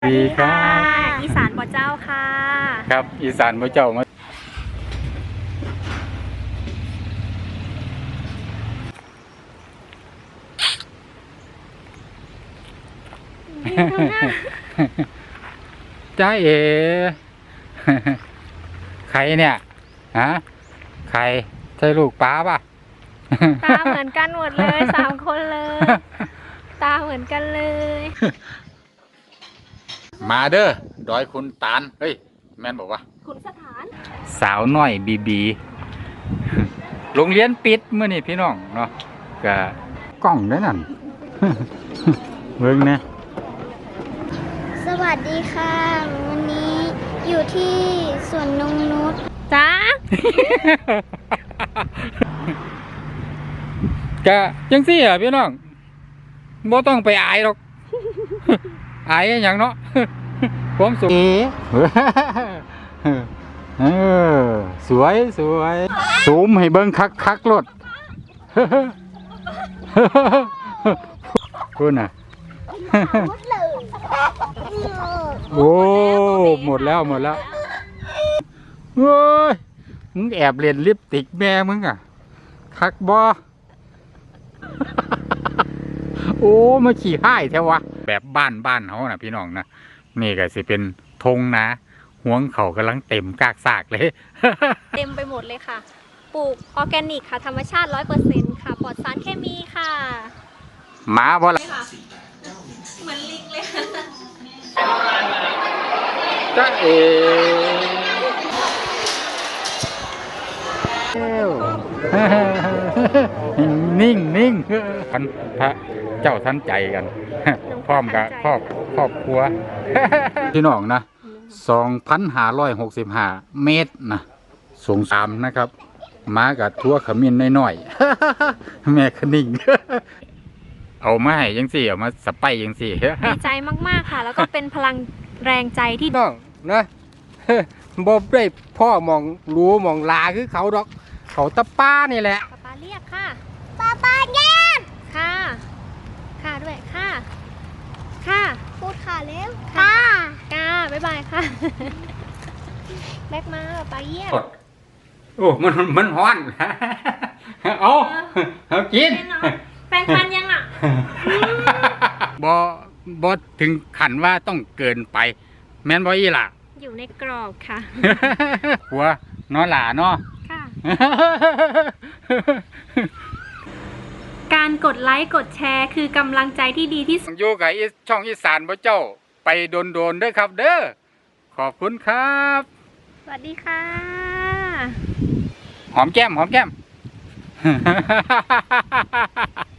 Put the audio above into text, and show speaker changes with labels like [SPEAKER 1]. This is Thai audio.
[SPEAKER 1] ดีครับ
[SPEAKER 2] อีสานบ่เจ้าค่ะ
[SPEAKER 1] ครับอีสานพระเจ้ามาจ้าเอ ใครเนี่ยฮะใครใช่ลูกป้าป่ะ
[SPEAKER 2] ตาเหมือนกันหมดเลย3 คนเลย ตาเหมือนกันเลย
[SPEAKER 1] มาเด้อดอยคุณตาลเฮ้ยแม่นบอกว่า
[SPEAKER 2] ขุนสถาน
[SPEAKER 1] สาวน้อยบีบี โรงเรียนปิดเมื่อนี่พี่น้องเนาะกะกล้องได้นั่น เบิ่งนะ
[SPEAKER 3] สวัสดีค่ะ วันนี้อยู่ที่สวนนงนุช
[SPEAKER 2] จ้าก
[SPEAKER 1] ะจังซี่อ่ะพี่น้องบ่ต้องไปอายหรอก อายอหย่างเนาะ ผมสุขสวยสวยซูมให้เบิ่งคักรถ คุณน่ะ
[SPEAKER 3] หมดเลย
[SPEAKER 1] โอ้หมดแล้วเฮ้ยมึงแอบเล่นลิปสติกแม่มึงอ่ะคักบอ โอ้มาขี่ห้ายแท้วะแบบบ้านเขานะพี่น้องนะนี่ก็สิเป็นธงนะห่วงเขากำลังเต็มกากซากเลย
[SPEAKER 2] เต็มไปหมดเลยค่ะ ปลูกออร์แกนิกค่ะ ธรรมชาติ 100% ค่ะ ปลอดสารเคมีค่ะ
[SPEAKER 1] หมาบ่ละ
[SPEAKER 2] เหมือนลิงเลย
[SPEAKER 1] จ้าเอ นิ่งท่านพระเจ้าท่านใจกัน พร้อมกับครอบครัว พี่น้องนะ 2,565 เมตรนะสูง3นะครับมากับทั่วขมิ้นน้อยๆ แม่คนิ่ง เอามาให้ยังสี่เอามาสไปยังสี่
[SPEAKER 2] ดีใจมาก ๆ ค่ะ แล้วก็เป็นพลังแรงใจที่
[SPEAKER 4] น้องนะ บ่ได้พ่อมองรู้มองลาคือเขาดอก เขาตะป้านี่แหละ
[SPEAKER 2] ป๊าเรียกค่ะ
[SPEAKER 3] ป้าแย่ง
[SPEAKER 2] ค่ะ ค่ะด้วยค่ะ ค่ะ
[SPEAKER 3] พูดค่ะแล้ว
[SPEAKER 2] ค่ะ กาบ๊ายบายค่ะ แบกมาป๊าเยี่ยม
[SPEAKER 1] โอ้มันฮ้อน เอากิน
[SPEAKER 2] แปรงฟันยังอ่ะ
[SPEAKER 1] บ่ถึงขันว่าต้องเกินไป แม่นบ่อีหล่ะ
[SPEAKER 2] อยู่ในกรอบค่ะ
[SPEAKER 1] หัวน้อหล่าเนาะ
[SPEAKER 2] ค่ะ การกดไลค์กดแชร์คือกำลังใจที่ดีที่สุด
[SPEAKER 1] อยู่กับช่องอีสานพระเจ้าไปโดนๆด้วยครับ เด้อขอบคุณครับ
[SPEAKER 2] สวัสดีค่ะ
[SPEAKER 1] หอมแก้ม